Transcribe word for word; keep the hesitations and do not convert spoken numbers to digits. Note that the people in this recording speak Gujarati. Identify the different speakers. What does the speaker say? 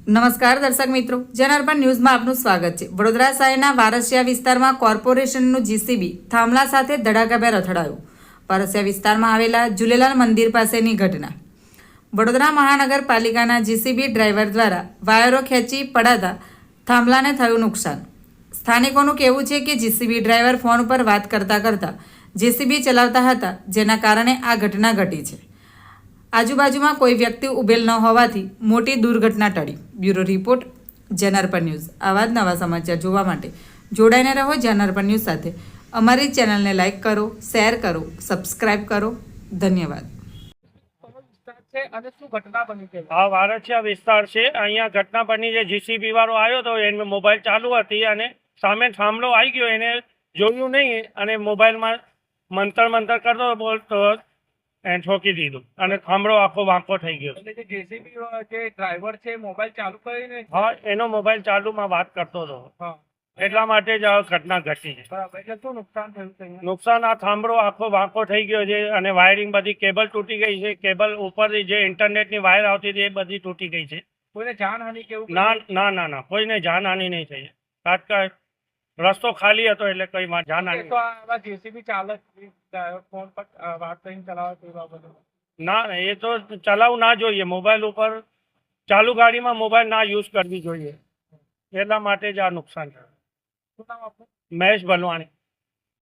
Speaker 1: નમસ્કાર દર્શક મિત્રો, જનાર્પણ ન્યૂઝમાં આપનું સ્વાગત છે। વડોદરા શહેરના વારસિયા વિસ્તારમાં કોર્પોરેશનનું જીસીબી થાંભલા સાથે ધડાકાભેર અથડાયું। વારસિયા વિસ્તારમાં આવેલા ઝૂલેલાલ મંદિર પાસેની ઘટના। વડોદરા મહાનગરપાલિકાના જીસીબી ડ્રાઈવર દ્વારા વાયરો ખેંચી પડાતા થાંભલાને થયું નુકસાન। સ્થાનિકોનું કહેવું છે કે જીસીબી ડ્રાઈવર ફોન પર વાત કરતા કરતા જીસીબી ચલાવતા હતા, જેના કારણે આ ઘટના ઘટી છે। આજુબાજુમાં કોઈ વ્યક્તિ ઉભેલ ન હોવાથી મોટી દુર્ઘટના ટળી। Bureau report, Janarpan news. આવા જ નવા સમાચાર જોવા માટે જોડાઈને રહો જનાર્પણ ન્યૂઝ સાથે। અમારી ચેનલને લાઇક કરો, શેર કરો, સબસ્ક્રાઇબ કરો। ધન્યવાદ।
Speaker 2: આ વારસિયા વિસ્તાર છે। અહીંયા ઘટના બની છે। જીસીબી વાળો આવ્યો તો એને મોબાઈલ ચાલુ હતી અને સામે થાંભલો આવી ગયો, એને જોયું નહીં અને મોબાઈલમાં મંતર મંતર કરતો બોલતો એને ઠોકી દીધું અને થાંભલો આખો વાંકો થઈ ગયો।
Speaker 3: એટલે જે જેસીબી જે ડ્રાઈવર છે મોબાઈલ ચાલુ કરીને
Speaker 2: હા, એનો મોબાઈલ ચાલુમાં વાત કરતો હતો,
Speaker 3: હા
Speaker 2: એટલા માટે જ આ ઘટના ઘટી છે।
Speaker 3: બરાબર। એટલે શું નુકસાન થયું છે અહીંયા?
Speaker 2: નુકસાન આ થાંભલો આખો વાંકો થઈ ગયો છે અને વાયરિંગ બધી કેબલ તૂટી ગઈ છે। કેબલ ઉપરથી જે ઇન્ટરનેટની વાયર આવતી હતી એ બધી તૂટી ગઈ છે।
Speaker 3: કોઈને જાનહાનિ કેવું?
Speaker 2: ના ના ના ના કોઈને જાનહાનિ નહીં થઈ। તાત્કાલિક રસ્તો ખાલી હતો એટલે કઈ માં જાનહાનિ
Speaker 3: તો આવા જેસીબી ચાલક ફોન પર વાત કરીને ચલાવે તે બાબતે
Speaker 2: ના ના, એ તો ચલાવવું ના જોઈએ। મોબાઈલ ઉપર ચાલુ ગાડીમાં મોબાઈલ ના યુઝ કરવી જોઈએ, એટલા માટે જ આ નુકસાન થયું।
Speaker 3: શું નામ આપનું?
Speaker 2: મહેશ ભલવાણી।